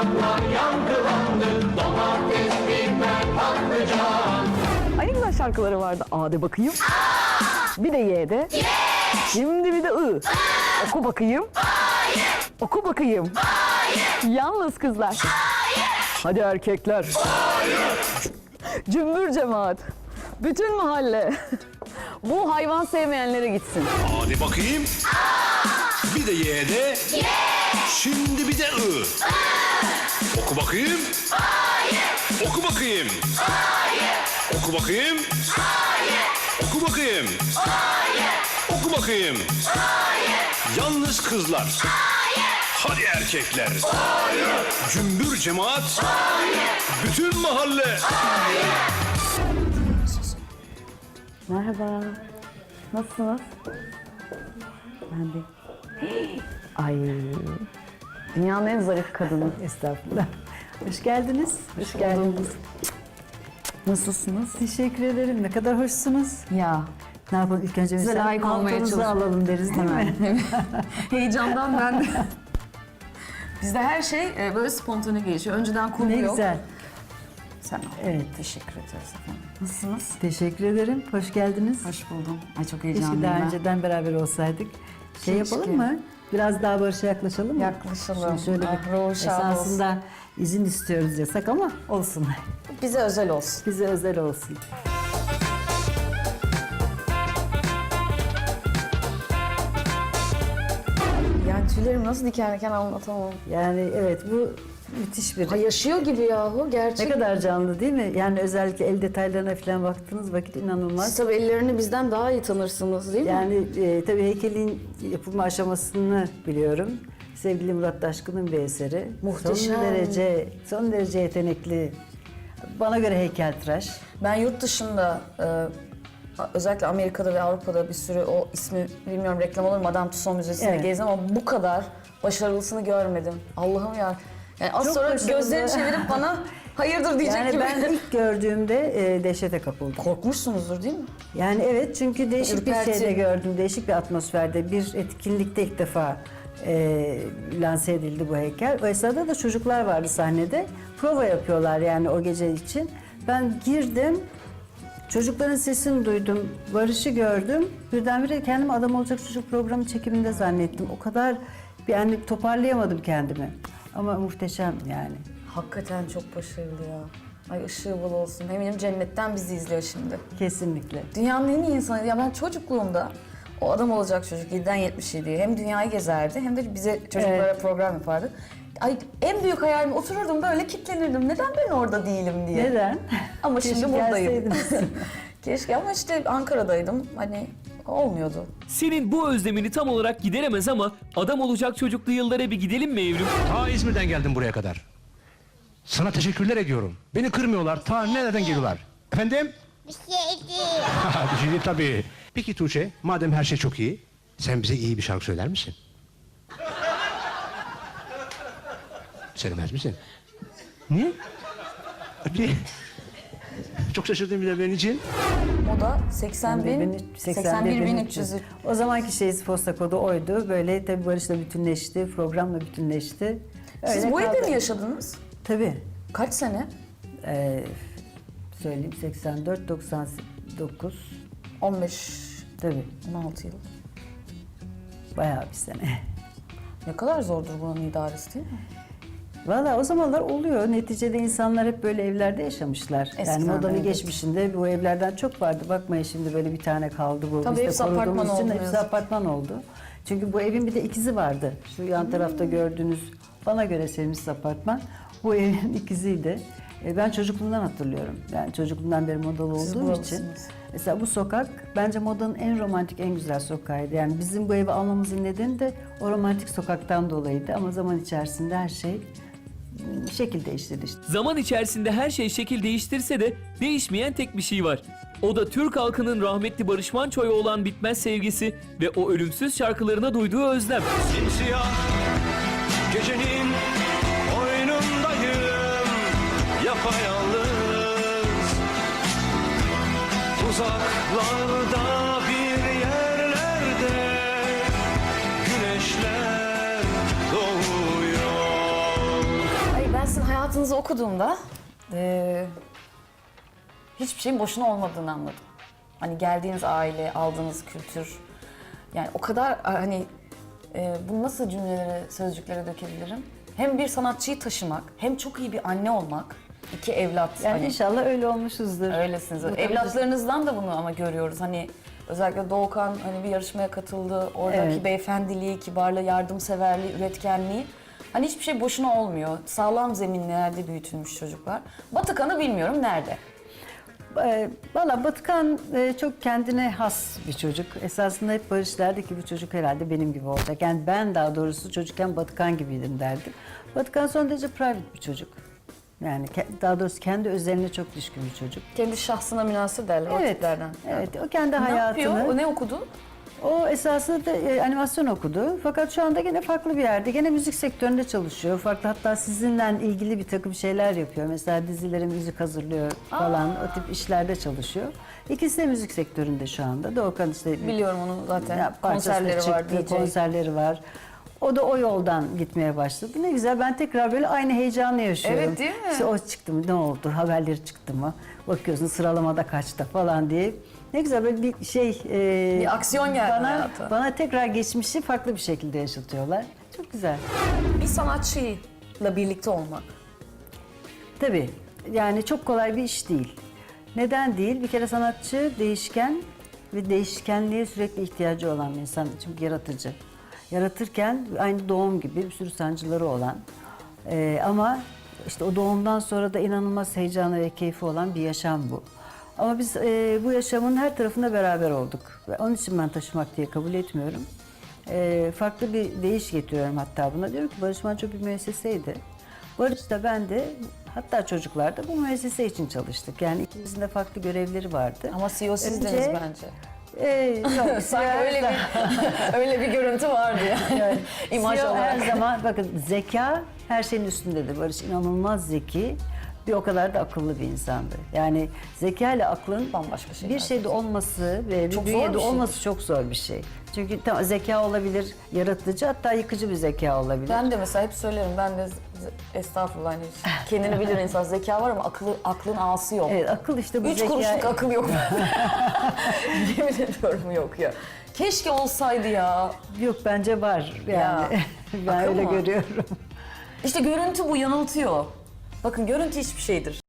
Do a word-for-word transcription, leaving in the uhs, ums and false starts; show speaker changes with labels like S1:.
S1: Reklamlar yankılandı. Domates, biber, patlıcan.
S2: Ay ne güzel şarkıları vardı. A'de bakayım. Bir de Y'de. Şimdi bir de I. Oku bakayım. Oku bakayım. Yalnız kızlar. Hadi erkekler. Cümbür cemaat. Bütün mahalle. Bu hayvan sevmeyenlere gitsin.
S3: Hadi bakayım. Bir de Y'de. Şimdi bir de I. Oku bakayım. Oku bakayım. Oku bakayım. Oku bakayım. Oku bakayım. Yalnız kızlar. Hadi erkekler. Cümbür cemaat. Bütün mahalle.
S2: Merhaba. Nasılsınız? Ben de. Ay. Dünyanın en zarif kadını.
S4: Estağfurullah. Hoş geldiniz.
S2: Hoş geldiniz. Nasılsınız?
S4: Teşekkür ederim. Ne kadar hoşsunuz.
S2: Ya.
S4: Ne yapalım ilk önce
S2: Size
S4: mesela
S2: layık olmaya
S4: paltonuzu
S2: çalışıyorum.
S4: alalım deriz değil mi?
S2: Heyecandan ben de. Bizde her şey e, böyle spontane gelişiyor. Önceden kurgu
S4: Ne
S2: yok.
S4: güzel.
S2: Sen al.
S4: Evet.
S2: Teşekkür ederiz efendim. Nasılsınız?
S4: Teşekkür ederim. Hoş geldiniz.
S2: Hoş buldum. Ay çok
S4: Keşke
S2: heyecanlıyım
S4: daha
S2: ben.
S4: önceden beraber olsaydık. Şey
S2: Keşke.
S4: yapalım mı? Biraz daha Barış'a yaklaşalım mı?
S2: Yaklaşalım.
S4: Şimdi şöyle
S2: Ah,
S4: bir
S2: ruhu şad
S4: esasında izin istiyoruz yasak ama olsun.
S2: Bize özel olsun.
S4: Bize özel olsun.
S2: Yani tüylerim nasıl diken diken anlatamam.
S4: Yani evet bu müthiş bir...
S2: Ay yaşıyor gibi yahu
S4: Ne
S2: gerçek.
S4: kadar canlı değil mi? Yani özellikle el detaylarına falan baktığınız vakit inanılmaz.
S2: Siz tabii ellerini bizden daha iyi tanırsınız değil mi?
S4: Yani e, tabii heykelin yapılma aşamasını biliyorum. Sevgili Murat Taşkın'ın bir eseri.
S2: Muhteşem.
S4: Son derece, son derece yetenekli. Bana göre heykeltıraş.
S2: Ben yurt dışında e, özellikle Amerika'da ve Avrupa'da bir sürü o ismi bilmiyorum reklam olur mu Madame Tussauds Müzesi'ne
S4: Evet.
S2: gezdim ama bu kadar başarılısını görmedim. Allah'ım ya. Yani az
S4: Çok
S2: sonra
S4: başarılı.
S2: gözlerini çevirip bana hayırdır diyecek
S4: Yani
S2: gibi.
S4: ben ilk gördüğümde e, dehşete kapıldım.
S2: Korkmuşsunuzdur değil mi?
S4: Yani evet çünkü değişik
S2: Ürperti.
S4: bir şeyde gördüm, değişik bir atmosferde. Bir etkinlikte ilk defa e, lanse edildi bu heykel. O esnada da çocuklar vardı sahnede. Prova yapıyorlar yani o gece için. Ben girdim, çocukların sesini duydum, Barış'ı gördüm. Birdenbire kendimi Adam Olacak Çocuk programı çekiminde zannettim. O kadar yani toparlayamadım kendimi. Ama muhteşem yani.
S2: Hakikaten çok başarılı ya. Ay ışığı bol olsun. Eminim cennetten bizi izliyor şimdi.
S4: Kesinlikle.
S2: Dünyanın en iyi insanı. Ya ben çocukluğumda o adam olacak çocuk yediden yetmiş yediye hem dünyayı gezerdi hem de bize çocuklara
S4: Evet.
S2: program yapardı. Ay en büyük hayalim otururdum böyle kilitlenirdim. Neden ben orada değilim diye.
S4: Neden?
S2: Ama
S4: Keşke
S2: şimdi buradayım.
S4: gelseydiniz.
S2: Keşke ama işte Ankara'daydım. Hani olmuyordu.
S5: Senin bu özlemini tam olarak gideremez ama adam olacak çocuklu yıllara bir gidelim mi Evrim?
S3: Ta İzmir'den geldim buraya kadar. Sana teşekkürler ediyorum. Beni kırmıyorlar. Ta nereden geliyorlar? Efendim?
S6: Bir şey değil.
S3: Bir şey değil tabii. Peki Tuğçe, madem her şey çok iyi, sen bize iyi bir şarkı söyler misin? Söylemez misin? Niye? Niye? Çok şaşırdım bir de benim için.
S2: Moda seksen bin, seksen bir bin üç yüz.
S4: O zamanki şeyiz posta kodu oydu. Böyle tabii Barış'la bütünleşti, programla bütünleşti.
S2: Siz
S4: Öyle
S2: bu evde
S4: kaldı.
S2: mi yaşadınız?
S4: Tabii.
S2: Kaç sene?
S4: Ee, söyleyeyim seksen dört doksan dokuz.
S2: on beş,
S4: Tabii.
S2: on altı yıl.
S4: Bayağı bir sene.
S2: Ne kadar zordur bunun idaresi değil mi?
S4: Valla o zamanlar oluyor. Neticede insanlar hep böyle evlerde yaşamışlar. yani
S2: Eskiden,
S4: modanın
S2: evet.
S4: geçmişinde bu evlerden çok vardı. Bakmayın şimdi böyle bir tane kaldı bu.
S2: Tabii
S4: Biz de
S2: hepsi
S4: koruduğumuz
S2: apartman
S4: için
S2: oldu ne
S4: hepsi
S2: yazık ki.
S4: apartman oldu. Çünkü bu evin bir de ikizi vardı. Şu yan tarafta gördüğünüz bana göre sevimsiz apartman. Bu evin ikiziydi. E, Ben çocukluğumdan hatırlıyorum. Yani çocukluğumdan beri modalı
S2: Siz
S4: olduğum için.
S2: buralısınız.
S4: Mesela bu sokak bence modanın en romantik, en güzel sokağıydı. Yani bizim bu evi almamızın nedeni de o romantik sokaktan dolayıydı. Ama zaman içerisinde her şey ım, şekil değiştirdi işte.
S5: Zaman içerisinde her şey şekil değiştirse de değişmeyen tek bir şey var. O da Türk halkının rahmetli Barış Manço'ya olan bitmez sevgisi ve o ölümsüz şarkılarına duyduğu özlem.
S3: Simsiyah gecenin oyunundayım, yapayalnız. Uzaklarda bir yerlerde güneşler doğuyor.
S2: Ay ben
S6: hayatınızı okuduğumda eee, hiçbir şeyin boşuna olmadığını anladım. Hani geldiğiniz aile, aldığınız kültür, yani o kadar hani eee bunu nasıl cümlelere, sözcüklere dökebilirim? Hem bir sanatçıyı taşımak, hem çok iyi bir anne olmak, iki evlat.
S4: Yani
S6: hani,
S4: inşallah öyle olmuşuzdur.
S6: öylesiniz.
S4: Bu tabii-
S6: Evlatlarınızdan da bunu ama görüyoruz. Hani özellikle Doğukan hani bir yarışmaya katıldı. Oradaki
S4: Evet.
S6: beyefendiliği, kibarlığı, yardımseverliği, üretkenliği. Hani hiçbir şey boşuna olmuyor. Sağlam zeminlerde büyütülmüş çocuklar. Batıkan'ı bilmiyorum nerede?
S4: Ee, Valla Batıkan e, çok kendine has bir çocuk. Esasında hep Barış derdi ki bu çocuk herhalde benim gibi olacak. Yani ben daha doğrusu çocukken Batıkan gibiydim derdim. Batıkan son derece private bir çocuk. Yani ke- daha doğrusu kendi özeline çok düşkün bir çocuk.
S6: Kendi şahsına münhasır derler o
S4: Evet,
S6: tiplerden.
S4: evet. O kendi
S6: Ne
S4: hayatını...
S6: yapıyor? O ne okudu?
S4: O esasında da e, animasyon okudu. Fakat şu anda gene farklı bir yerde. Gene müzik sektöründe çalışıyor. Farklı, hatta sizinle ilgili bir takım şeyler yapıyor. Mesela dizilere müzik hazırlıyor falan. O tip işlerde çalışıyor. İkisi de müzik sektöründe şu anda. Doğukan işte...
S6: Biliyorum onu zaten.
S4: Ya, parçasına
S6: Konserleri var,
S4: çıktı,
S6: D J.
S4: konserleri var. O da o yoldan gitmeye başladı. Ne güzel, ben tekrar böyle aynı heyecanla yaşıyorum.
S6: Evet, değil mi?
S4: İşte o çıktı mı, ne oldu, haberleri çıktı mı, bakıyorsun sıralamada kaçta falan diye. Ne güzel böyle bir şey... e,
S6: Bir aksiyon geldi
S4: bana,
S6: hayata.
S4: Bana tekrar geçmişi farklı bir şekilde yaşatıyorlar. Çok güzel.
S6: Bir sanatçıyla birlikte olmak.
S4: Tabii, yani çok kolay bir iş değil. Neden değil? Bir kere sanatçı değişken ve değişkenliğe sürekli ihtiyacı olan bir insan. Çünkü yaratıcı. Yaratırken aynı doğum gibi bir sürü sancıları olan e, ama işte o doğumdan sonra da inanılmaz heyecanı ve keyfi olan bir yaşam bu. Ama biz e, bu yaşamın her tarafında beraber olduk. Ve onun için ben taşımak diye kabul etmiyorum. E, farklı bir deyiş getiriyorum hatta buna. Diyorum ki Barış Manço bir müesseseydi. Barış da ben de, hatta çocuklar da bu müessese için çalıştık. Yani ikimizin de farklı görevleri vardı.
S6: Ama C E O sizdiniz
S4: Önce-
S6: bence.
S4: Ee, yok,
S6: Sanki öyle bir öyle bir görüntü vardı yani.
S4: Yani
S6: İmaj
S4: C E O
S6: olarak.
S4: her zaman, bakın, zeka her şeyin üstündedir. Barış inanılmaz zeki, bir o kadar da akıllı bir insandı. Yani zeka ile aklın
S6: Bambaşka şeyler.
S4: bir şeyde olması ve bir
S6: Çok zor
S4: bünyede
S6: bir şey.
S4: olması çok zor bir şey. Çünkü tamam, zeka olabilir, yaratıcı, hatta yıkıcı bir zeka olabilir.
S6: Ben de mesela hep söylerim, ben de z- estağfurullah hani kendini bilir insan, zeka var ama aklı, aklın ağası yok.
S4: Evet, akıl işte bu
S6: Üç
S4: zeka.
S6: kuruşluk akıl yok. Yemin ediyorum yok ya. Keşke olsaydı ya.
S4: Yok, bence var yani.
S6: Ya,
S4: ben
S6: akıl
S4: öyle
S6: mı?
S4: görüyorum.
S6: İşte görüntü bu yanıltıyor. Bakın görüntü hiçbir şeydir.